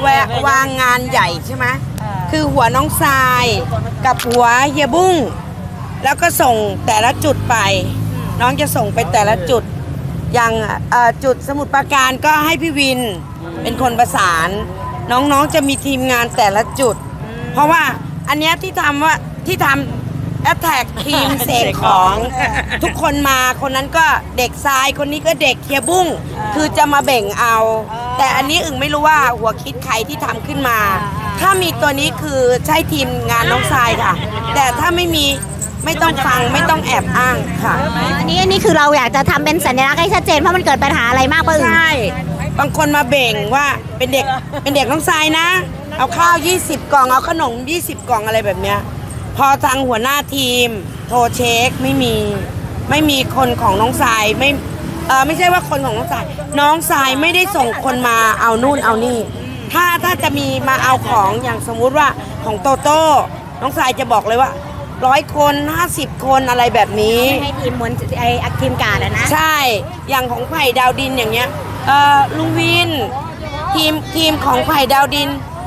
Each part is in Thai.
วางงานใหญ่ใช่ไหมคือหัวน้องทรายกับหัวเฮียบุ้งแล้วก็ส่งแต่ละจุดไปน้องจะส่งไปแต่ละจุดอย่างจุดสมุทรปราการก็ให้พี่วินเป็นคนประสานน้องๆจะมีทีมงานแต่ละจุดเพราะว่าอันเนี้ยที่ทำแอตแทกทีมเสกของทุกคนมาคนนั้นก็เด็กทรายคนนี้ก็เด็กเฮียบุ้งคือจะมาเบ่งเอาแต่อันนี้อึ่งไม่รู้ว่าหัวคิดใครที่ทำขึ้นมาถ้ามีตัวนี้คือใช่ทีมงานน้องทรายค่ะแต่ถ้าไม่มีไม่ต้องฟังไม่ต้องแอบอ้างค่ะอันนี้คือเราอยากจะทำเป็นสัญลักษณ์ให้ชัดเจนเพราะมันเกิดปัญหาอะไรมากป่ะอึ่งใช่บางคนมาเบ่งว่าเป็นเด็กน้องทรายนะเอาข้าว20 กล่องเอาขนม20 กล่องอะไรแบบเนี้ยพอทางหัวหน้าทีมโทรเช็คไม่มีคนของน้องทรายไม่ใช่ว่าคนของน้องทรายไม่ได้ส่งคนมาเอานู่นเอานี่ถ้าจะมีมาเอาของอย่างสมมุติว่าของโตโต้น้องทรายจะบอกเลยว่า100 คน50 คนอะไรแบบนี้ให้ทีมมวลทีมการนะใช่อย่างของไผ่ดาวดินอย่างเงี้ยลุงวินทีมของไผ่ดาวดิน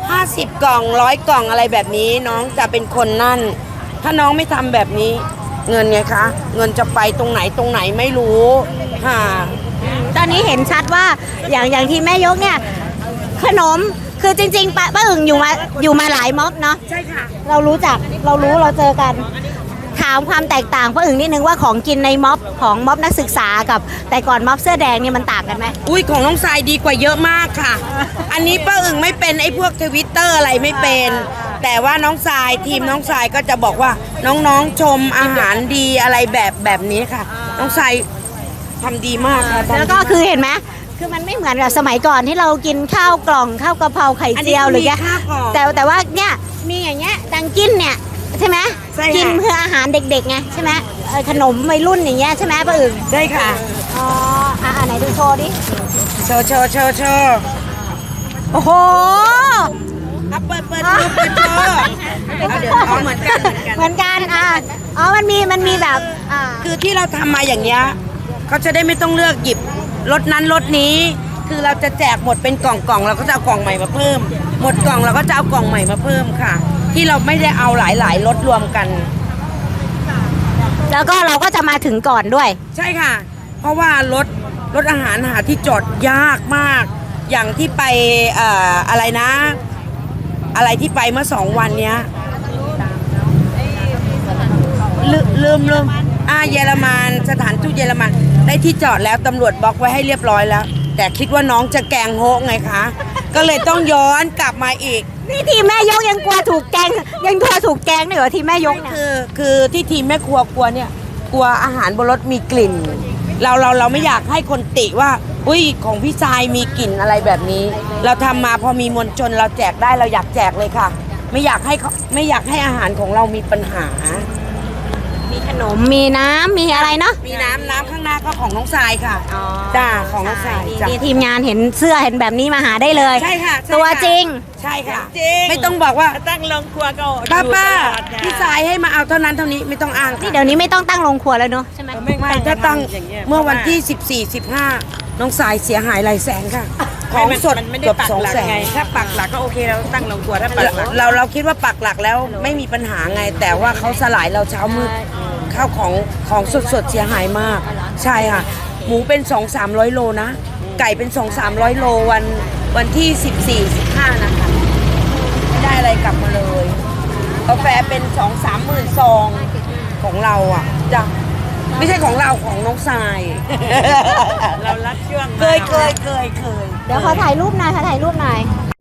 50 กล่อง100 กล่องอะไรแบบนี้น้องจะเป็นคนนั่นถ้าน้องไม่ทำแบบนี้เงินไงคะเงินจะไปตรงไหนไม่รู้ค่ะตอนนี้เห็นชัดว่าอย่างที่แม่ยกเนี่ยขนมคือจริงๆป้าอึ่งอยู่มาหลายม็อบเนาะใช่ค่ะเรารู้เราเจอกันถามความแตกต่างป้าอึ่งนิดนึงว่าของกินในม็อบของม็อบนักศึกษากับแต่ก่อนม็อบเสื้อแดงนี่มันต่างกันไหมอุ้ยของน้องทรายดีกว่าเยอะมากค่ะอันนี้ป้าอึ่งไม่เป็นไอ้พวกTwitterอะไรไม่เป็นแต่ว่าน้องทรายทีมน้องทรายก็จะบอกว่าน้องๆชมอาหารดีอะไรแบบนี้ค่ะน้องทรายทำดีมากค่ะแล้วก็คือเห็นไหมคือมันไม่เหมือนกับสมัยก่อนที่เรากินข้าวกล่องข้าวกะเพราไข่เจียวหรือแกแต่ว่าเนี่ยมีอย่างเงี้ยดังกินเนี่ยใช่ไหมกินเพื่ออาหารเด็กๆไงใช่ไหมขนมวัยรุ่นอย่างเงี้ยใช่ไหมป้าอึ่งใช่ค่ะอ๋อไหนดูโชว์ดิโชว์โอ้โหเปิดโชว์เดี๋ยวเหมือนกันมันมีแบบคือที่เราทำมาอย่างเงี้ยเขาจะได้ไม่ต้องเลือกหยิบรถนั้นรถนี้คือเราจะแจกหมดเป็นกล่องเราก็จะเอากล่องใหม่มาเพิ่มหมดกล่องเราก็จะเอากล่องใหม่มาเพิ่มค่ะที่เราไม่ได้เอาหลายรถรวมกันแล้วก็เราก็จะมาถึงก่อนด้วยใช่ค่ะเพราะว่ารถอาหารหาที่จอดยากมากอย่างที่ไปอะไรนะอะไรที่ไปเมื่อ2 วันเนี้ยลืมเยอรมันสถานทูตเยอรมันได้ที่จอดแล้วตำรวจบล็อกไว้ให้เรียบร้อยแล้วแต่คิดว่าน้องจะแกงโฮกไงคะก็เลยต้องย้อนกลับมาอีกนี่ทีมแม่ยกยังกลัวถูกแกงยังกลัวถูกแกงด้วยเหรอทีมแม่ยกเนี่ยคือที่ทีมแม่ครัวกลัวเนี่ยกลัวอาหารบนรถมีกลิ่นเราไม่อยากให้คนติว่าอุ้ยของพี่ทรายมีกลิ่นอะไรแบบนี้เราทำมาพอมีมวลชนเราแจกได้เราอยากแจกเลยค่ะไม่อยากให้อาหารของเรามีปัญหามีขนมมีน้ำมีอะไรเนาะมีน้ำข้างหน้าก็ของน้องทรายค่ะจ้าของน้องทรายนี่ทีมงานเห็นเสื้อเห็นแบบนี้มาหาได้เลยใช่ค่ะตัวจริงใช่ค่ะไม่ต้องบอกว่าตั้งโรงครัวก็ป้าพี่ทรายให้มาเอาเท่านั้นเท่านี้ไม่ต้องอ้างนี่เดี๋ยวนี้ไม่ต้องตั้งโรงครัวแล้วเนาะใช่ไหมไม่ถ้าตั้งเมื่อวันที่14-15น้องทรายเสียหายหลายแสนค่ะของสดเกือบ200,000 ถ้าปักหลักก็โอเคเราตั้งโรงครัวถ้าปักหลักเราคิดว่าปักหลักแล้วไม่มีปัญหาไงแต่ว่าเขาสลายเราเช้ามืดข้าวของสดเสียหายมากใช่ค่ะหมูเป็น200-300 โลนะไก่เป็น200-300 โลวันที่14-15นะคะไม่ได้อะไรกลับมาเลยกาแฟเป็น2-3 หมื่นซองของเราอ่ะจ้ะไม่ใช่ของเราของน้องทรายเรารักช่วงเคยเดี๋ยวขอถ่ายรูปหน่อย